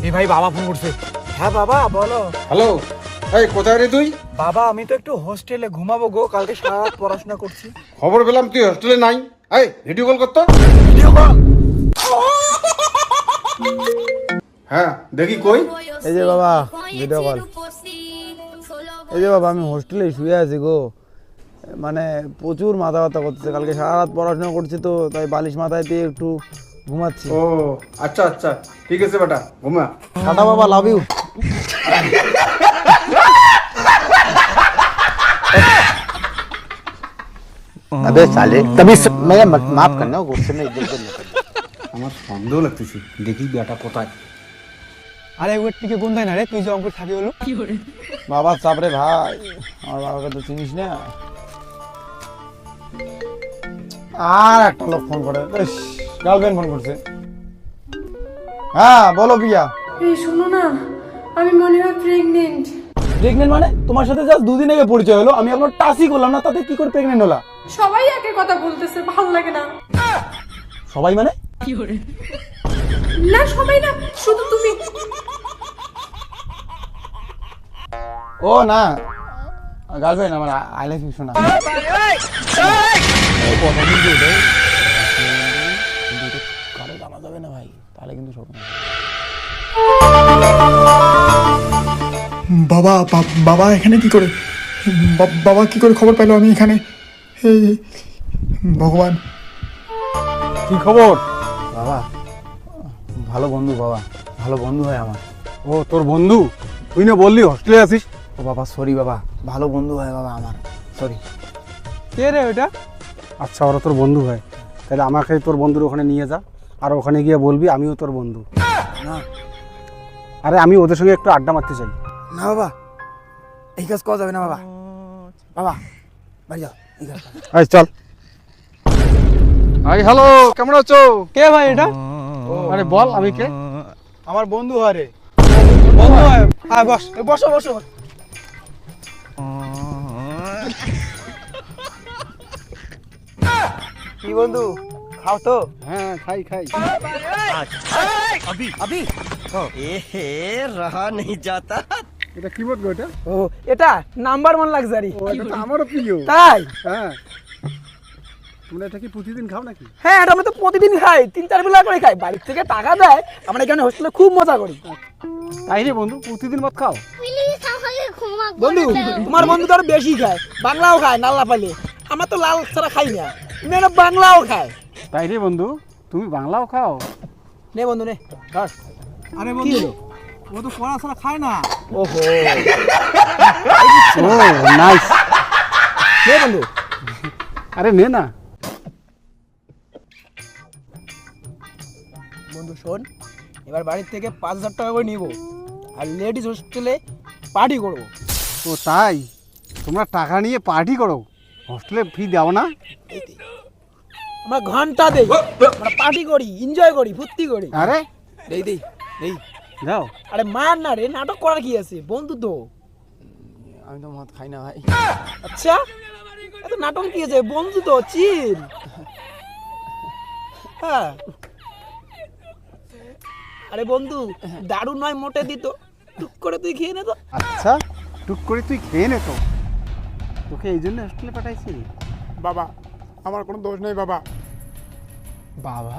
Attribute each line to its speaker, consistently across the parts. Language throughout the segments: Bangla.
Speaker 1: এই ভাই বাবা ফোন করছে।
Speaker 2: হ্যাঁ বাবা বলো।
Speaker 3: হ্যালো, এই কোথায় রে তুই?
Speaker 2: বাবা আমি তো একটু হোস্টেলে ঘুমাবো গো, কালকে সারা রাত পড়াশোনা করছি।
Speaker 3: খবর পেলাম তুই হোস্টেলে নাই। এই ভিডিও কল করতো।
Speaker 2: Video call?
Speaker 3: হ্যাঁ দেখি কই।
Speaker 2: এই যে বাবা ভিডিও কল। এই যে বাবা আমি হোস্টেলে শুয়ে আছি গো, মানে প্রচুর মাথা ব্যথা করতেছে, কালকে সারা রাত পড়াশোনা করছি তো তাই বালিশ মাথায় দিয়ে একটু ঘুমাচ্ছি।
Speaker 3: ও আচ্ছা আচ্ছা, ঠিক আছে বেটা, ঘুমা।
Speaker 2: টাটা বাবা, লাভ ইউ।
Speaker 4: अबे साले तभी मैं माफ करना गुस्से में इज्जत करना।
Speaker 3: আমার সন্দেহ লাগতেছে, দেখি বেটা কোথায়।
Speaker 1: আরে ওর থেকে কোনটাই না রে, তুই যে অঙ্কুর থাকি হলো।
Speaker 2: বাবা চাপরে ভাই, আমার বাবাকে তো চিনিস না। আর একটা লোক ফোন করে, গার্লফ্রেন্ড ফোন করছে। হ্যাঁ বলো প্রিয়া।
Speaker 5: এই শোনো না, আমি মনে হয় প্রেগনেন্ট।
Speaker 2: প্রেগনেন্ট মানে? তোমার সাথে জাস্ট দুদিন আগে পরিচয় হলো, আমি এখনো টাচই করলাম না, তাতে কি করে প্রেগনেন্ট হলা?
Speaker 5: সবাই একের কথা বলতেছে, ভালো লাগে না।
Speaker 2: সবাই মানে?
Speaker 5: না সবাই না, শুধু তুমি।
Speaker 2: ও না, গার্লফ্রেন্ড আমার, আই লাভ ইউ শোনা। কারো জানা যাবে না ভাই, তাহলে কিন্তু সব।
Speaker 6: বাবা বাবা এখানে কি করে? বাবা কি করে খবর পেলো আমি এখানে? এই ভগবান,
Speaker 2: কি খবর? বাবা ভালো বন্ধু, বাবা ভালো বন্ধু হয় আমার।
Speaker 1: ও তোর বন্ধু? তুই না বললি হোস্টেলে আছিস?
Speaker 2: ও বাবা সরি বাবা, ভালো বন্ধু হয় বাবা আমার, সরি।
Speaker 1: কে রে ওটা? আচ্ছা ওরা তোর বন্ধু হয়, তাহলে আমাকে তোর বন্ধুর ওখানে নিয়ে যা, আর ওখানে গিয়ে বলবি আমিও তোর বন্ধু।
Speaker 2: না
Speaker 1: আরে আমি ওদের সঙ্গে একটু আড্ডা মারতে চাই।
Speaker 2: না বাবা, এই কাজ করা যাবে না বাবা। বাবা বাড়ি যাও, এই কাজ করা যাবে না।
Speaker 1: আয় চল। আই হ্যালো, কেমন আছো? কে ভাই এটা? আরে বল আমি কে?
Speaker 2: আমার বন্ধু হয় রে।
Speaker 1: বন্ধু হয়? আয় বস।
Speaker 2: বসো বসো। কি বন্ধু, খাও তো?
Speaker 1: হ্যাঁ খাই খাই।
Speaker 4: रहा नहीं जाता।
Speaker 1: এটা কি বলবো এটা?
Speaker 2: ও এটা নাম্বার 1 লাক্সারি।
Speaker 1: ও এটা তো আমারও প্রিয়।
Speaker 2: তাই?
Speaker 1: হ্যাঁ। তোমরা এটা কি প্রতিদিন খাও নাকি?
Speaker 2: হ্যাঁ এটা আমি তো প্রতিদিন খাই, 3-4 বেলা করে খাই, বাড়ির থেকে টাকা দেয়, আমরা এখানে হোস্টেলে খুব মজা করি।
Speaker 1: তাই রে বন্ধু, প্রতিদিন মত খাও?
Speaker 2: বন্ধু তোমার বন্ধু তো আরো বেশি খায়, বাংলাও খায় নাল্লা পালে, আমার তো লাল ছাড়া খাই না, মেয়েরা বাংলাও খায়।
Speaker 1: তাই রে বন্ধু, তুমি বাংলাও খাও?
Speaker 2: নে বন্ধু নে ধর।
Speaker 1: আরে
Speaker 2: কি হলো?
Speaker 1: ও তো পড়া ছাড়া খায় না।
Speaker 2: ওহো
Speaker 1: ও নাইস।
Speaker 2: নে বন্ধু।
Speaker 1: আরে নে না।
Speaker 2: বন্ধু শোন, এবার বাড়ির থেকে 5,000 টাকা করে নিব, আর লেডিস হোস্টেলে পার্টি করবো।
Speaker 1: ও তাই? তোমরা টাকা নিয়ে পার্টি করো, হোস্টেলে ফি দাও না?
Speaker 2: আমরা ঘন্টা দেই, আমরা পার্টি করি, এনজয় করি, ফুর্তি করি।
Speaker 1: আরে
Speaker 2: দেই দেই দেই।
Speaker 1: যাও।
Speaker 2: আরে মার না রে, নাটক করার কি আছে, বন্ধু তো। আমি তো মদ খাই না ভাই। আচ্ছা এত নাটক কি আছে, বন্ধু তো, চিল। হ্যাঁ আরে বন্ধু দারু নয় মোটে দিত, টুক করে তুই খেয়ে নে তো।
Speaker 1: আচ্ছা টুক করে তুই খেয়ে নে তো, তোকে এই জন্য হোস্টেলে পাঠাইছি।
Speaker 6: বাবা আমার কোনো দোষ নেই বাবা।
Speaker 2: বাবা?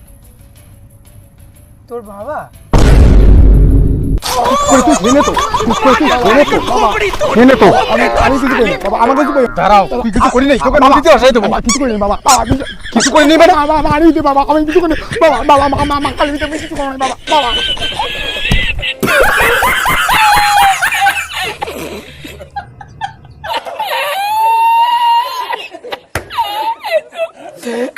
Speaker 2: তোর বাবা?
Speaker 6: আমি কিছু করি বাবা, আমার কিছু করি।
Speaker 1: দাঁড়াও, তুই কিছু করি নাই, তোকে নদীতে আসাই দেবো।
Speaker 6: বাবা কিছু করি না বাবা,
Speaker 1: কিছু করি নি মানে?
Speaker 6: বাবা মারি দে বাবা, আমি কিছু করি না বাবা, বাবা মা কালি দিতে আমি কিছু করি না বাবা, বাবা।